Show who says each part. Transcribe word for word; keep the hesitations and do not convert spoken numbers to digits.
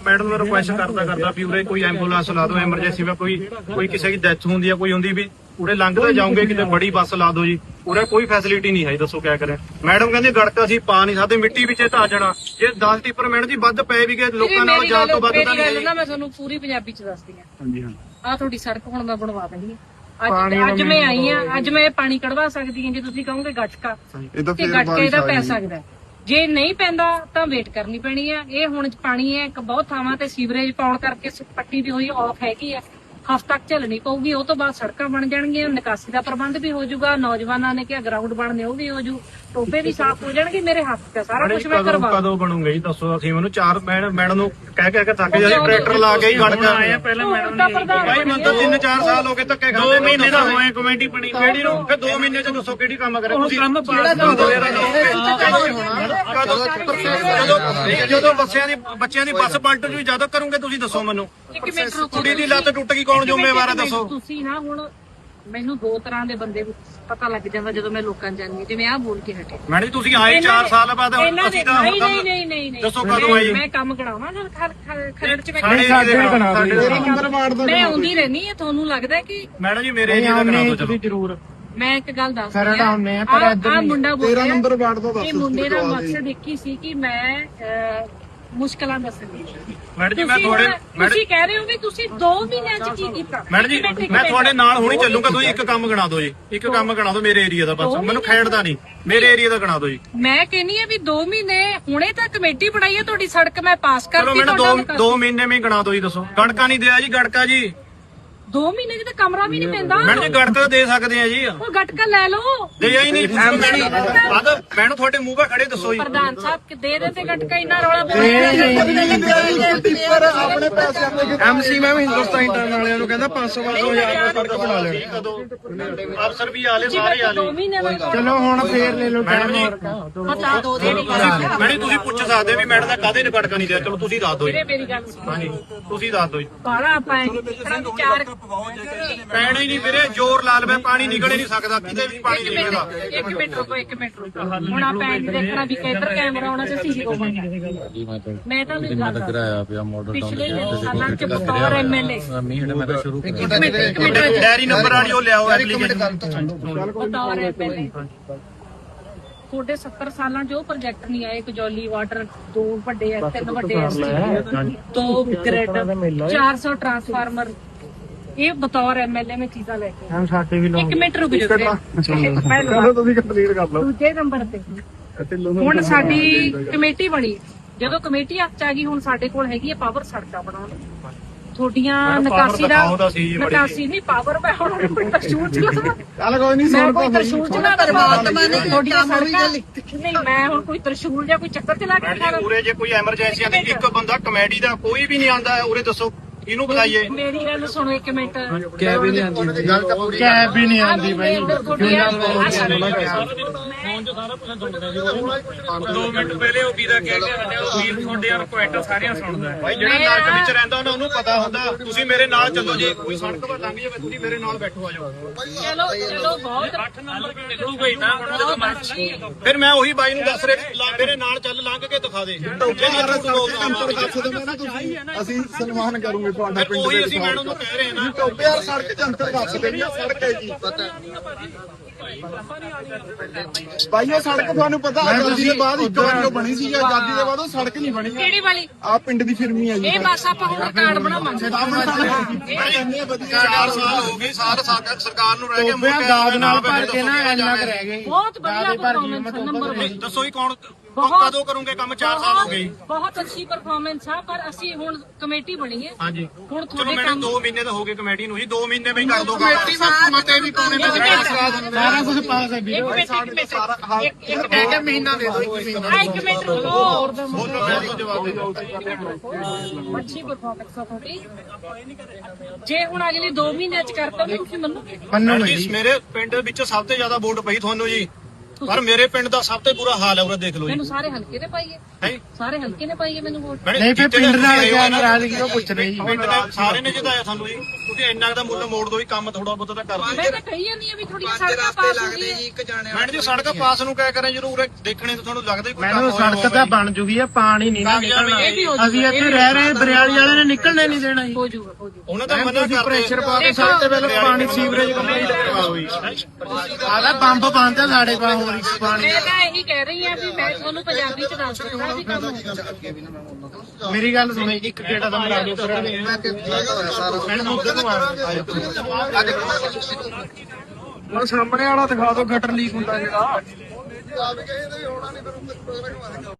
Speaker 1: Madam ਨੂੰ request ਕਰਦਾ ਕਰਦਾ ਵੀ ਉਰੇ ਕੋਈ ਐਂਬੂਲੈਂਸ ਲਾ ਦਿਓ ਐਮਰਜੈਂਸੀ ਵਿੱਚ ਕੋਈ ਕੋਈ ਕਿਸੇ ਦੀ ਡੈਥ ਹੁੰਦੀ ਹੈ ਕੋਈ ਹੁੰਦੀ ਵੀ ਉਰੇ ਲੰਘਦੇ ਜਾਓਗੇ ਕਿਤੇ ਬੜੀ ਬੱਸ ਲਾ ਦਿਓ ਜੀ ਉਰੇ ਕੋਈ ਫੈਸਿਲਿਟੀ ਨਹੀਂ ਹੈ ਦੱਸੋ ਕਿਆ ਕਰੇ ਮੈਡਮ ਕਹਿੰਦੇ ਗੜਕਾ ਅਸੀਂ ਪਾ ਨਹੀਂ ਸਕਦੇ ਮਿੱਟੀ ਵਿੱਚ ਧਾ ਜਾਣਾ ਜੇ ਦਸ ਟਿੱਪਰ ਮਿੰਟ ਦੀ ਵੱਧ ਪਏ ਵੀ ਗਏ ਲੋਕਾਂ ਨਾਲ ਜਾਣ ਤੋਂ ਵੱਧ ਤਾਂ ਨਹੀਂ
Speaker 2: ਨਾ ਮੈਂ ਤੁਹਾਨੂੰ ਪੂਰੀ ਪੰਜਾਬੀ ਚ ਦੱਸਦੀ ਆ
Speaker 1: ਹਾਂਜੀ ਹਾਂ
Speaker 2: ਆ ਤੁਹਾਡੀ ਸੜਕ ਹੁਣ ਮੈਂ ਬਣਵਾ ਦਿੰਦੀ ਆ ਅੱਜ ਅੱਜ ਮੈਂ ਆਈ ਆ ਅੱਜ ਮੈਂ ਪਾਣੀ ਕਢਵਾ ਸਕਦੀ ਹਾਂ ਜੇ ਤੁਸੀਂ ਕਹੋਗੇ ਗਟਕਾ ਤੇ ਗਟਕੇ ਦਾ ਪੈ ਸਕਦਾ ਜੇ ਨਹੀਂ ਪੈਂਦਾ ਤਾਂ ਵੇਟ ਕਰਨੀ ਪੈਣੀ ਆ ਇਹ ਹੁਣ ਪਾਣੀ ਹੈ ਇੱਕ ਬਹੁਤ ਥਾਵਾਂ ਤੇ ਸੀਵਰੇਜ ਪਾਉਣ ਕਰਕੇ ਪੱਟੀ ਵੀ ਹੋਈ ਆਫ ਹੈਗੀ ਆ ਹਫ਼ਤਾ ਤੱਕ ਝੱਲਣੀ ਪਊਗੀ ਉਹ ਤੋਂ ਬਾਅਦ ਸੜਕਾਂ ਬਣ ਜਾਣਗੀਆਂ ਨਿਕਾਸੀ ਦਾ ਪ੍ਰਬੰਧ ਵੀ ਹੋ ਜਾਊਗਾ ਨੌਜਵਾਨਾਂ ਨੇ ਕਿਹਾ ਗਰਾਊਂਡ ਬਣਨੇ ਉਹ ਵੀ ਹੋ ਜੂ ਟੋਪੇ ਵੀ ਸਾਫ਼ ਹੋ ਜਾਣਗੇ ਮੇਰੇ ਹੱਥ ਤੇ ਸਾਰਾ ਕੁਝ ਮੈਂ ਕਰਵਾ
Speaker 1: ਕਦੋਂ ਬਣੂਗਾ ਜੀ ਦੱਸੋ ਅਸੀਂ ਮੈਨੂੰ ਚਾਰ ਮੈਡਮ ਨੂੰ ਕਹਿ ਕਹਿ ਕੇ ਥੱਕ ਜਾਂਦੇ ਟਰੈਕਟਰ ਲਾ ਕੇ ਹੀ ਗੜਕਾ ਆਏ ਪਹਿਲਾਂ ਮੈਡਮ ਨੇ ਭਾਈ ਮੈਨੂੰ ਤਾਂ ਤਿੰਨ ਚਾਰ ਸਾਲ ਹੋ ਗਏ ਧੱਕੇ ਖਾਂਦੇ ਦੋ ਮਹੀਨੇ ਦਾ ਹੋਏ ਕਮੇਟੀ ਬਣੀ ਕਿਹੜੀ ਨੂੰ ਫਿਰ ਦੋ ਮਹੀਨੇ ਚ ਦੱਸੋ ਕਿਹੜੀ ਕੰਮ ਕਰੇ ਤੁਸੀਂ ਕੰਮ ਜਦੋਂ ਬੱਸਿਆਂ ਦੀ ਬੱਚਿਆਂ ਦੀ ਬੱਸ ਪਲਟ ਜੂ ਜਦੋਂ ਕਰੋਗੇ ਤੁਸੀਂ ਦੱਸੋ ਮੈਨੂੰ ਕੁੜੀ ਦੀ ਲੱਤ ਟੁੱਟ ਗਈ ਕੌਣ ਜ਼ਿੰਮੇਵਾਰ ਹੈ ਦੱਸੋ
Speaker 2: ਤੁਸੀਂ ਨਾ ਹੁਣ ਮੈਨੂੰ ਦੋ ਤਰ੍ਹਾਂ ਦੇ ਬੰਦੇ ਪਤਾ ਲੱਗ ਜਾਂਦਾ ਜਦੋਂ ਮੈਂ ਲੋਕਾਂ ਜਾਣੀ ਜਿਵੇਂ ਆਹ ਬੋਲ ਕੇ ਹਟੇ
Speaker 1: ਮੈਡਮ ਜੀ ਤੁਸੀਂ ਆਏ ਚਾਰ ਸਾਲ ਬਾਅਦ ਅਸੀਂ ਤਾਂ
Speaker 2: ਨਹੀਂ ਨਹੀਂ ਨਹੀਂ ਨਹੀਂ
Speaker 1: ਦੱਸੋ ਕਦੋਂ ਆਏ
Speaker 2: ਮੈਂ ਕੰਮ ਕਰਾਵਾਂ ਨਾ ਖਰੜ ਚ
Speaker 1: ਮੈਂ
Speaker 2: ਮੈਂ ਆਉਂਦੀ ਰਹਿਣੀ ਹੈ ਤੁਹਾਨੂੰ ਲੱਗਦਾ ਕਿ
Speaker 1: ਮੈਡਮ ਜੀ ਮੇਰੇ ਏਰੀਆ ਦਾ ਕਰਾ ਦਿਓ ਚਲੋ
Speaker 3: ਜ਼ਰੂਰ
Speaker 2: ਮੈਂ ਇੱਕ ਗੱਲ ਦੱਸ
Speaker 3: ਖਰੜ ਆਉਨੇ ਆ ਪਰ ਇੱਧਰ
Speaker 2: ਆ ਮੁੰਡਾ ਬੋਲ
Speaker 3: ਤੇਰਾਂ ਨੰਬਰ ਵਾਰਡ ਤੋਂ ਦੱਸ
Speaker 2: ਇਹ ਮੁੰਡੇ ਦਾ ਮਕਸਦ ਇੱਕ ਹੀ ਸੀ ਕਿ ਮੈਂ ਮੁਸ਼ਕਲਾਂ ਦੱਸਣੀ
Speaker 1: ਮੈਡਮ ਜੀ ਮੈਂ ਤੁਹਾਡੇ
Speaker 2: ਤੁਸੀਂ ਕਹਿ ਰਹੇ ਹੋ ਵੀ ਤੁਸੀਂ ਦੋ ਮਹੀਨਿਆਂ ਚ ਕੀ ਕੀਤਾ
Speaker 1: ਮੈਡਮ ਜੀ ਮੈਂ ਤੁਹਾਡੇ ਨਾਲ ਹੁਣੀ ਚੱਲੂਗਾ ਤੁਸੀਂ ਇੱਕ ਕੰਮ ਗਣਾ ਦਿਓ ਜੀ ਇੱਕ ਕੰਮ ਗਣਾ ਦਿਓ ਮੇਰੇ ਏਰੀਆ ਦਾ ਬਸ ਮੈਨੂੰ ਖੇਡਦਾ ਨਹੀਂ ਮੇਰੇ ਏਰੀਆ ਦਾ ਗਣਾ ਦਿਓ ਜੀ
Speaker 2: ਮੈਂ ਕਹਿੰਨੀ ਆ ਵੀ ਦੋ ਮਹੀਨੇ ਹੁਣੇ ਤਾਂ ਕਮੇਟੀ ਬਣਾਈ ਹੈ ਤੁਹਾਡੀ ਸੜਕ ਮੈਂ ਪਾਸ ਕਰਤੀ
Speaker 1: ਮੈਨੂੰ ਦੋ ਦੋ ਮਹੀਨੇ ਵਿੱਚ ਗਣਾ ਦਿਓ ਜੀ ਦੱਸੋ ਗੜਕਾ ਨਹੀਂ ਦਿਆ ਜੀ ਗੜਕਾ ਜੀ
Speaker 2: ਦੋ ਮਹੀਨੇ ਚ ਤਾਂ ਕਮਰਾ ਵੀ ਨਹੀਂ ਪੈਂਦਾ
Speaker 1: ਮੈਡਮ ਜੀ ਗੜਕਾ ਦੇ ਸਕਦੇ ਆ ਜੀ
Speaker 2: ਉਹ ਗਟਕਾ ਲੈ ਲਓ
Speaker 1: ਦੇ ਹੀ ਨਹੀਂ ਮੈਨੂੰ ਤੁਹਾਡੇ ਮੂੰਹ 'ਤੇ ਖੜੇ ਦੱਸੋ ਜੀ
Speaker 2: ਪ੍ਰਧਾਨ ਸਾਹਿਬ ਕਿ ਦੇ ਦੇ ਤੇ ਗਟਕਾ ਇੰਨਾ ਰੌਲਾ
Speaker 3: ਆਪਣੇ ਪੈਸੇ ਐਮਸੀ ਮੈਂ ਵੀ ਹਿੰਦੁਸਤਾਨ ਇੰਟਰਨ ਵਾਲਿਆਂ ਨੂੰ ਕਹਿੰਦਾ ਪੰਜ ਸੌ ਪੰਜ ਸੌ ਹਜ਼ਾਰ ਦਾ ਸੜਕ ਬਣਾ ਲੈਣੀ
Speaker 1: ਅਫਸਰ ਵੀ ਆਲੇ ਸਾਰੇ ਆਲੇ
Speaker 3: ਚਲੋ ਹੁਣ ਫੇਰ ਲੈ ਲਓ
Speaker 1: ਮੈਡਮ ਜੀ
Speaker 2: ਪਤਾ ਦੋ ਦੇ
Speaker 1: ਮੈਡਮ ਤੁਸੀਂ ਪੁੱਛ ਸਕਦੇ ਵੀ ਮੈਡਮ ਦਾ ਕਾਹਦੇ ਨੇ ਗੜਕਾ ਨਹੀਂ ਦਿਆ ਚਲੋ ਤੁਸੀਂ ਦੱਸ ਦਿਓ ਜੀ
Speaker 2: ਮੇਰੀ ਗੱਲ ਸੁਣੋ
Speaker 1: ਹਾਂਜੀ ਤੁਸੀਂ ਦੱਸ ਦਿਓ ਜੀ
Speaker 2: ਬਾਰਾ ਆਪਾਂ ਵਿਚਾਰ
Speaker 1: ਪੈਣਾ ਹੀ ਨਹੀਂ ਵੀਰੇ ਜ਼ੋਰ ਲਾ ਲਵੇ ਪਾਣੀ ਨਿਕਲ ਹੀ ਨਹੀਂ ਸਕਦਾ ਕਿਤੇ ਵੀ ਪਾਣੀ ਨਹੀਂ ਨਿਕਲਦਾ
Speaker 2: ਇੱਕ ਮਿੰਟ ਰੁਕੋ ਇੱਕ ਮਿੰਟ ਰੁਕੋ ਹੁਣ ਆਪਾਂ ਇਹ ਦੇਖਣਾ ਵੀ ਕਿੱਧਰ ਕੈਮਰਾ ਆਉਣਾ ਤੇ ਸੀਸੀ ਮੈਂ ਤਾਂ ਵੀ ਗੱਲ
Speaker 4: ਕਰਾਇਆ ਪਿਆ ਮਾਡਲ ਟਾਊਨ
Speaker 2: ਪਿਛਲੇ ਸਾਲਾਂ ਚ ਬਤੌਰ ਐਮਐਲਏ
Speaker 4: ਮਹੀਨੇ ਮੈਂ ਤਾਂ ਸ਼ੁਰੂ
Speaker 2: ਇੱਕ ਮਿੰਟ ਇੱਕ ਮਿੰਟ
Speaker 1: ਡੈਰੀ ਨੰਬਰ ਵਾਲੀ ਉਹ ਲਿਆਓ ਐਪਲੀਕੇਸ਼ਨ
Speaker 2: ਬਤੌਰ ਐਮਐਲਏ ਤੁਹਾਡੇ ਸੱਤਰ ਸਾਲਾਂ ਚ ਉਹ ਪ੍ਰੋਜੈਕਟ ਨਹੀਂ ਆਏ ਕਜੌਲੀ ਵਾਟਰ ਦੋ ਵੱਡੇ ਐ ਤਿੰਨ ਵੱਡੇ ਐ ਦੋ ਗ੍ਰਿਡ ਚਾਰ ਸੌ ਟਰਾਂਸਫਾਰਮਰ ਇਹ ਬਤੌਰ ਐਮਐਲਏ ਮੈਂ ਚੀਜ਼ਾਂ ਲੈ ਕੇ
Speaker 3: ਹਮ ਸਾਡੇ ਵੀ
Speaker 2: ਇੱਕ ਮਿੰਟ ਰੁਕ ਜਾਓ
Speaker 3: ਚਲੋ ਤੁਸੀਂ ਕੰਪਲੀਟ ਕਰ ਲਓ
Speaker 2: ਦੂਜੇ ਨੰਬਰ ਤੇ ਹੁਣ ਸਾਡੀ ਕਮੇਟੀ ਬਣੀ ਜਦੋਂ ਕਮੇਟੀ ਹੱਥ ਚ ਆ ਗਈ ਹੁਣ ਸਾਡੇ ਕੋਲ ਹੈਗੀ ਹੈ ਪਾਵਰ ਸੜਕਾਂ ਬਣਾਉਣ ਤੁਹਾਡੀਆਂ ਨਿਕਾਸੀ ਦਾ ਨਿਕਾਸੀ ਨਹੀਂ ਪਾਵਰ ਮੈਂ ਹੁਣ ਕੋਈ ਤਰਸ਼ੂਲ ਚਲਾਵਾਂ
Speaker 3: ਚੱਲ ਕੋਈ ਨਹੀਂ
Speaker 2: ਮੈਂ ਕੋਈ ਤਰਸ਼ੂਲ ਚਲਾ ਪਰਮਾਤਮਾ ਨੇ ਤੁਹਾਡੀਆਂ ਸੜਕਾਂ ਨਹੀਂ ਮੈਂ ਹੁਣ ਕੋਈ ਤਰਸ਼ੂਲ ਜਾਂ ਕੋਈ ਚੱਕਰ ਚਲਾ ਕੇ ਖਾ
Speaker 1: ਉਰੇ ਜੇ ਕੋਈ ਐਮਰਜੈਂਸੀ ਆਂਦੀ ਇੱਕ ਬੰਦਾ ਕਮੇਡੀ ਦਾ ਕੋਈ ਵੀ ਨਹੀਂ ਆਂਦਾ ਉਰੇ ਦੱਸੋ ਇਹਨੂੰ ਬੁਲਾਈਏ
Speaker 2: ਮੇਰੀ ਗੱਲ ਸੁਣੋ ਇੱਕ ਮਿੰਟ
Speaker 3: ਕੈਬ ਵੀ ਨਹੀਂ ਆਉਂਦੀ ਗੱਲ ਤਾਂ ਪੂਰੀ ਕੈਬ ਵੀ ਨਹੀਂ ਆਉਂਦੀ ਬਾਈ
Speaker 1: ਦੋ ਮਿੰਟ ਪਹਿਲੇ ਉਹ ਵੀਰਾ ਕਹਿ ਕੇ ਹਟਿਆ ਉਹ ਵੀਰ ਤੁਹਾਡੇ ਰਿਕੁਐਸਟ ਸਾਰਿਆਂ ਸੁਣਦਾ ਭਾਈ ਜਿਹੜਾ ਨਰਕ ਵਿੱਚ ਰਹਿੰਦਾ ਉਹਨਾਂ ਨੂੰ ਪਤਾ ਹੁੰਦਾ ਤੁਸੀਂ ਮੇਰੇ ਨਾਲ ਚੱਲੋ ਜੀ ਕੋਈ ਸੜਕ 'ਤੇ ਲੰਘ ਜਾਵੇ ਤੁਸੀਂ ਮੇਰੇ ਨਾਲ ਬੈਠੋ ਆ ਜਾਓ
Speaker 2: ਚਲੋ ਚਲੋ ਬਹੁਤ
Speaker 1: ਅੱਠ ਨੰਬਰ ਨਿਕਲੂਗਾ ਹੀ ਨਾ ਹੁਣ ਜਦੋਂ ਮਰਜ਼ੀ ਫਿਰ ਮੈਂ ਉਹੀ ਬਾਈ ਨੂੰ ਦੱਸ ਰਿਹਾ ਮੇਰੇ ਨਾਲ ਚੱਲ ਲੰਘ ਕੇ ਦਿਖਾ ਦੇ
Speaker 3: ਅਸੀਂ ਸਨਮਾਨ ਕਰੂਗੇ ਤੁਹਾਡਾ ਪਿੰਡ
Speaker 1: ਉਹੀ ਅਸੀਂ ਮੈਡਮ ਨੂੰ ਕਹਿ ਰਹੇ ਨਾ
Speaker 3: ਟੋਪੇ ਯਾਰ ਸੜਕ ਜੰਤਰ ਦੱਸ ਦੇਣੀ ਆ ਸੜਕ ਹੈ ਜੀ ਭਾਈ ਇਹ ਸੜਕ ਤੁਹਾਨੂੰ ਪਤਾ ਆਜ਼ਾਦੀ ਦੇ ਬਾਅਦ ਇੱਕ ਵਾਰ ਬਣੀ ਸੀ ਆਜ਼ਾਦੀ ਦੇ ਬਾਅਦ ਉਹ ਸੜਕ ਨਹੀਂ ਬਣੀ
Speaker 2: ਕਿਹੜੀ ਵਾਲੀ
Speaker 3: ਆ ਪਿੰਡ ਦੀ ਫਿਰਮੀ ਹੈ ਜੀ
Speaker 2: ਇਹ ਬਸ ਆਪਾਂ ਹੁਣ ਕਾਰਡ ਬਣਾਵਾਂਗੇ
Speaker 1: ਚਾਰ ਸਾਲ ਹੋ ਗਏ ਸਾਰ ਸਰਕਾਰ ਨੂੰ ਰਹਿ ਗਏ
Speaker 3: ਦਾਦ ਨਾਲ ਭਰ ਕੇ ਨਾ ਇੰਨਾ ਕੁ ਰਹਿ ਗਏ
Speaker 2: ਬਹੁਤ ਵਧੀਆ ਪਰਫਾਰਮੈਂਸ ਨੰਬਰ
Speaker 1: ਦੱਸੋ ਹੀ ਕੌਣ ਕਦੋਂ ਕਰੋਗੇ ਕੰਮ ਚਾਰ ਸਾਲ ਹੋ ਗਏ
Speaker 2: ਬਹੁਤ ਅੱਛੀ ਪਰਫਾਰਮੈਂਸ ਆ ਪਰ ਅਸੀਂ ਹੁਣ ਕਮੇਟੀ ਬਣੀ ਹੈ
Speaker 1: ਹਾਂਜੀ
Speaker 2: ਹੁਣ
Speaker 1: ਚਲੋ
Speaker 2: ਤੁਹਾਡੇ
Speaker 1: ਮੈਨੂੰ
Speaker 2: ਕੰਮ
Speaker 1: ਦੋ ਮਹੀਨੇ ਤਾਂ ਹੋ ਗਏ ਕਮੇਟੀ ਨੂੰ ਜੀ ਦੋ ਮਹੀਨੇ ਵਿੱਚ ਕਰ ਦੋ
Speaker 3: ਕਮੇਟੀ ਵਿੱਚ ਮਤੇ ਵੀ ਪਾਉਣੇ ਸਾਰਾ ਕੁਝ ਪਾਸ ਹੈ ਵੀਰੇ
Speaker 2: ਇੱਕ ਮਿੰਟ ਇੱਕ ਮਿੰਟ
Speaker 3: ਸਾਰਾ
Speaker 2: ਇੱਕ ਇੱਕ
Speaker 3: ਇੱਕ ਮਹੀਨਾ ਦੇ ਦਿਓ ਇੱਕ ਮਹੀਨਾ
Speaker 2: ਆ ਇੱਕ ਮਿੰਟ ਰੁਕੋ
Speaker 1: ਬੋਲੋ ਮੈਂ ਤੁਹਾਨੂੰ ਜਵਾਬ ਦੇ ਦਊਂ
Speaker 2: ਅੱਛੀ ਪਰਫਾਰਮੈਂਸ ਆ ਤੁਹਾਡੀ ਜੇ ਹੁਣ ਅਗਲੇ ਦੋ ਮਹੀਨਿਆਂ ਚ ਕਰਤਾ ਤਾਂ ਤੁਸੀਂ ਮੰਨੋਗੇ
Speaker 3: ਮੰਨੋ
Speaker 1: ਜੀ ਮੇਰੇ ਪਿੰਡ ਵਿੱਚ ਸਭ ਤੋਂ ਜ਼ਿਆਦਾ ਵੋਟ ਪਈ ਤੁਹਾਨੂੰ ਜੀ ਪਰ ਮੇਰੇ ਪਿੰਡ ਦਾ ਸਭ ਤੋਂ ਬੁਰਾ ਹਾਲ ਹੈ ਉਰੇ ਦੇਖ ਲਓ ਜੀ
Speaker 2: ਮੈਨੂੰ ਸਾਰੇ ਹਲਕੇ ਨੇ ਪਾਈਏ
Speaker 1: ਹੈ
Speaker 2: ਸਾਰੇ ਹਲਕੇ ਨੇ ਪਾਈਏ ਮੈਨੂੰ ਵੋਟ
Speaker 1: ਨਹੀਂ ਫਿਰ ਪਿੰਡ ਨਾਲ ਕਿਆ ਨਾਰਾਜ਼ਗੀ ਉਹ ਪੁੱਛ ਰਹੇ ਜੀ ਪਿੰਡ ਦੇ ਸਾਰੇ ਨੇ ਜਿਤਾਇਆ ਸਾਨੂੰ ਜੀ ਤੁਸੀਂ ਇੰਨਾ ਦਾ ਮੁੱਲ ਮੋੜ ਦੋ ਵੀ ਕੰਮ ਥੋੜਾ ਬਹੁਤਾ ਤਾਂ ਕਰ ਦਿਓ
Speaker 2: ਮੈਂ ਤਾਂ ਕਹੀ ਜਾਂਦੀ ਆ ਵੀ ਥੋੜੀ ਸੜਕਾਂ ਪਾਸ ਹੋ ਗਈ
Speaker 1: ਮੈਡਮ ਜੀ ਸੜਕ ਪਾਸ ਨੂੰ ਕਿਆ ਕਰਾਂ ਜਦੋਂ ਉਰੇ ਦੇਖਣੇ ਤਾਂ ਤੁਹਾਨੂੰ ਲੱਗਦਾ ਹੀ ਕੋਈ
Speaker 5: ਮੈਨੂੰ ਸੜਕ ਤਾਂ ਬਣ ਜੂਗੀ ਆ ਪਾਣੀ ਨਹੀਂ ਨਾ ਨਿਕਲਣਾ
Speaker 2: ਇਹ ਵੀ ਹੋ
Speaker 5: ਅਸੀਂ ਇੱਥੇ ਰਹਿ ਰਹੇ ਬਰਿਆਲੀ ਵਾਲੇ ਨੇ ਨਿਕਲਣੇ ਨਹੀਂ ਦੇਣਾ ਜੀ
Speaker 2: ਹੋ ਜਾਊਗਾ ਹੋ ਜਾਊਗਾ
Speaker 1: ਉਹਨਾਂ ਦਾ ਮਨਾ ਕਰਦੇ
Speaker 5: ਪ੍ਰੈਸ਼ਰ ਪਾ ਕੇ ਸਭ ਤੋਂ ਪਹਿਲਾਂ ਪਾਣੀ ਸੀਵਰੇਜ ਕੰਪਲੀਟ ਕਰਵਾਓ ਜੀ ਆਦਾ ਪੰਪ ਬੰਦ ਆ ਸਾਡੇ ਕੋਲ ਹੋਰ ਇੱਕ ਪਾਣੀ
Speaker 2: ਮੈਂ ਤਾਂ ਇਹੀ ਕਹਿ ਰਹੀ ਆ ਵੀ ਮੈਂ ਤੁਹਾਨੂੰ ਪੰਜਾਬੀ ਚ ਦੱਸ ਦਿੰਦਾ ਵੀ ਕੰਮ ਹੋਊਗਾ।
Speaker 5: ਮੇਰੀ ਗੱਲ ਸੁਣੋ ਜੀ, ਇੱਕ ਗੇੜਾ ਦਾ ਮਰਾ ਦਿਓ ਫਿਰ ਮੈਂ ਮੁੱਦੇ ਨੂੰ ਮਾਰ ਹੁਣ ਸਾਹਮਣੇ ਵਾਲਾ ਦਿਖਾ ਦਿਓ ਗਟਰ ਲੀਕ ਹੁੰਦਾ ਜਿਹੜਾ